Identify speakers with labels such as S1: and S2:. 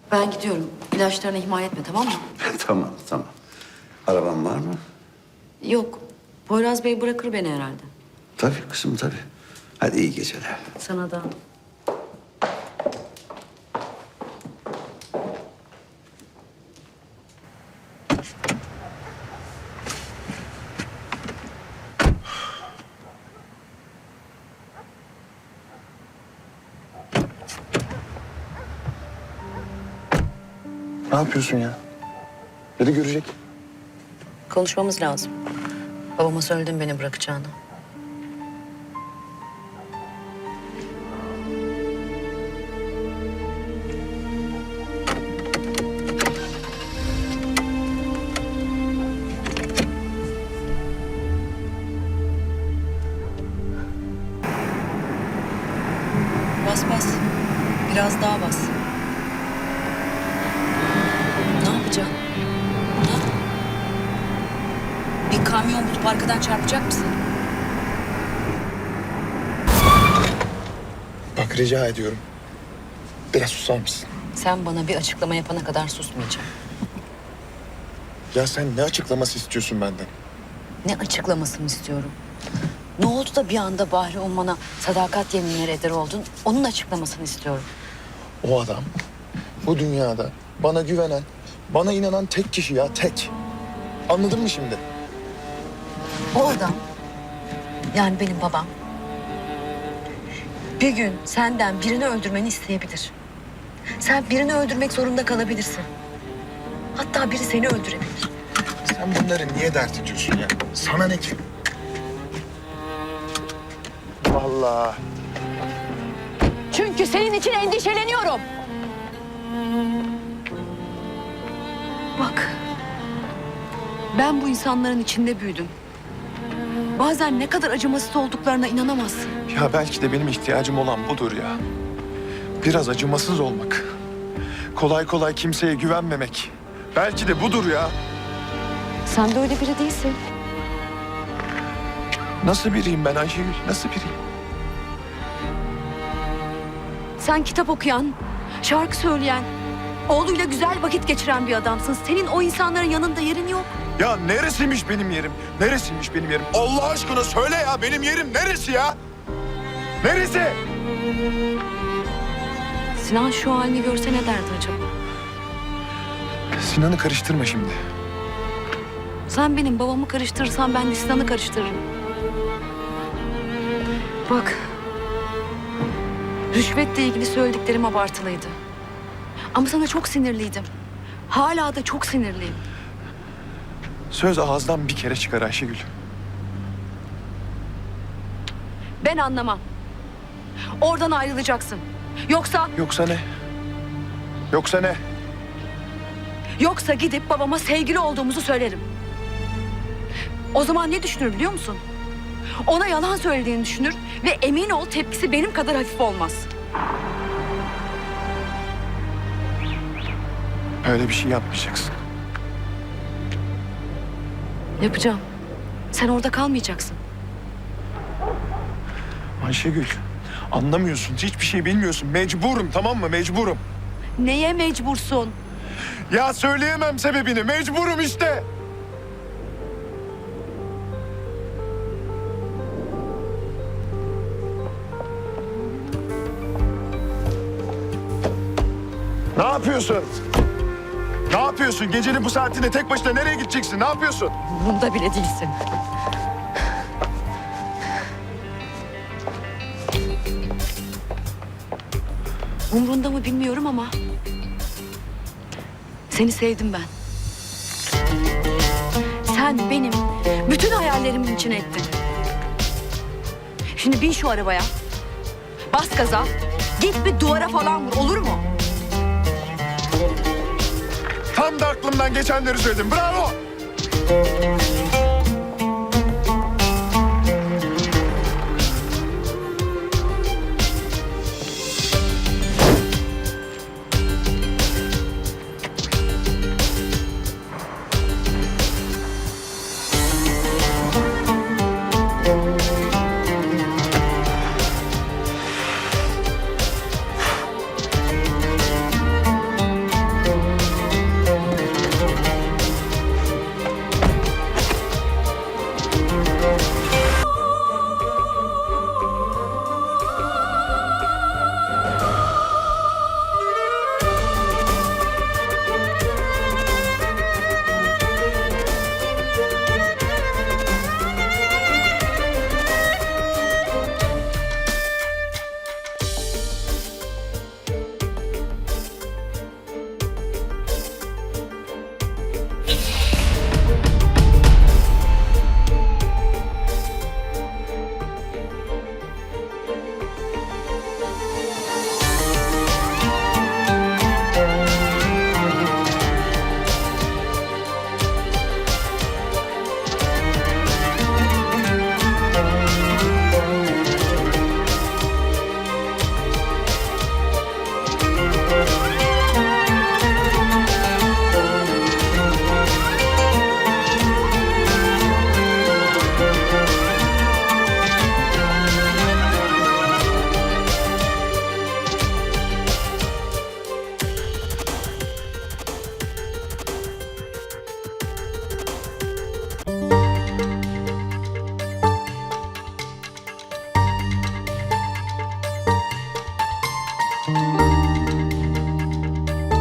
S1: Ben gidiyorum. İlaçlarını ihmal etme, tamam mı?
S2: Tamam, tamam. Araban var mı?
S1: Yok. Poyraz Bey bırakır beni herhalde.
S2: Tabii kızım, tabii. Hadi iyi geceler.
S1: Sana da.
S3: Ne yapıyorsun ya? Biri görecek.
S1: Konuşmamız lazım. Babama söyledim beni bırakacağını. Bas bas. Biraz daha bas. Ne yapacaksın? Ha? Bir kamyon bulup arkadan çarpacak mısın?
S3: Bak rica ediyorum. Biraz susar mısın?
S1: Sen bana bir açıklama yapana kadar susmayacağım.
S3: Ya sen ne açıklaması istiyorsun benden?
S1: Ne açıklamasını istiyorum? Ne oldu da bir anda Bahri Umman'a sadakat yeminleri eder oldun? Onun açıklamasını istiyorum.
S3: O adam bu dünyada bana güvenen, bana inanan tek kişi ya, tek. Anladın mı şimdi?
S1: O adam, yani benim babam, bir gün senden birini öldürmeni isteyebilir. Sen birini öldürmek zorunda kalabilirsin. Hatta biri seni öldürebilir.
S3: Sen bunları niye dert ediyorsun ya? Sana ne ki? Vallahi.
S1: Çünkü senin için endişeleniyorum. Bak, ben bu insanların içinde büyüdüm. Bazen ne kadar acımasız olduklarına inanamazsın.
S3: Ya belki de benim ihtiyacım olan budur ya. Biraz acımasız olmak. Kolay kolay kimseye güvenmemek. Belki de budur ya.
S1: Sen de öyle biri değilsin.
S3: Nasıl biriyim ben Ayşegül? Nasıl biriyim?
S1: Sen kitap okuyan, şarkı söyleyen, oğluyla güzel vakit geçiren bir adamsın. Senin o insanların yanında yerin yok.
S3: Ya neresiymiş benim yerim? Neresiymiş benim yerim? Allah aşkına söyle ya, benim yerim neresi ya? Neresi?
S1: Sinan şu halini görse ne derdi acaba?
S3: Sinan'ı karıştırma şimdi.
S1: Sen benim babamı karıştırırsan ben de Sinan'ı karıştırırım. Bak, rüşvetle ilgili söylediklerim abartılıydı. Ama sana çok sinirliydim. Hala da çok sinirliyim.
S3: Söz ağızdan bir kere çıkar Ayşegül.
S1: Ben anlamam. Oradan ayrılacaksın. Yoksa
S3: Yoksa ne? Yoksa ne?
S1: gidip babama sevgili olduğumuzu söylerim. O zaman ne düşünür biliyor musun? Ona yalan söylediğini düşünür ve emin ol tepkisi benim kadar hafif olmaz.
S3: Öyle bir şey yapmayacaksın.
S1: Yapacağım. Sen orada kalmayacaksın.
S3: Ayşegül, anlamıyorsun. Hiçbir şey bilmiyorsun. Mecburum, tamam mı? Mecburum.
S1: Neye mecbursun?
S3: Ya söyleyemem sebebini. Mecburum işte. Ne yapıyorsun? Ne yapıyorsun? Gecenin bu saatinde tek başına nereye gideceksin? Ne yapıyorsun?
S1: Bunda bile değilsin. Umrunda mı bilmiyorum ama seni sevdim ben. Sen benim bütün hayallerimin içine ettin. Şimdi bin şu arabaya. Bas gaza. Git bir duvara falan vur, olur mu?
S3: Tam da aklımdan geçenleri söyledim. Bravo!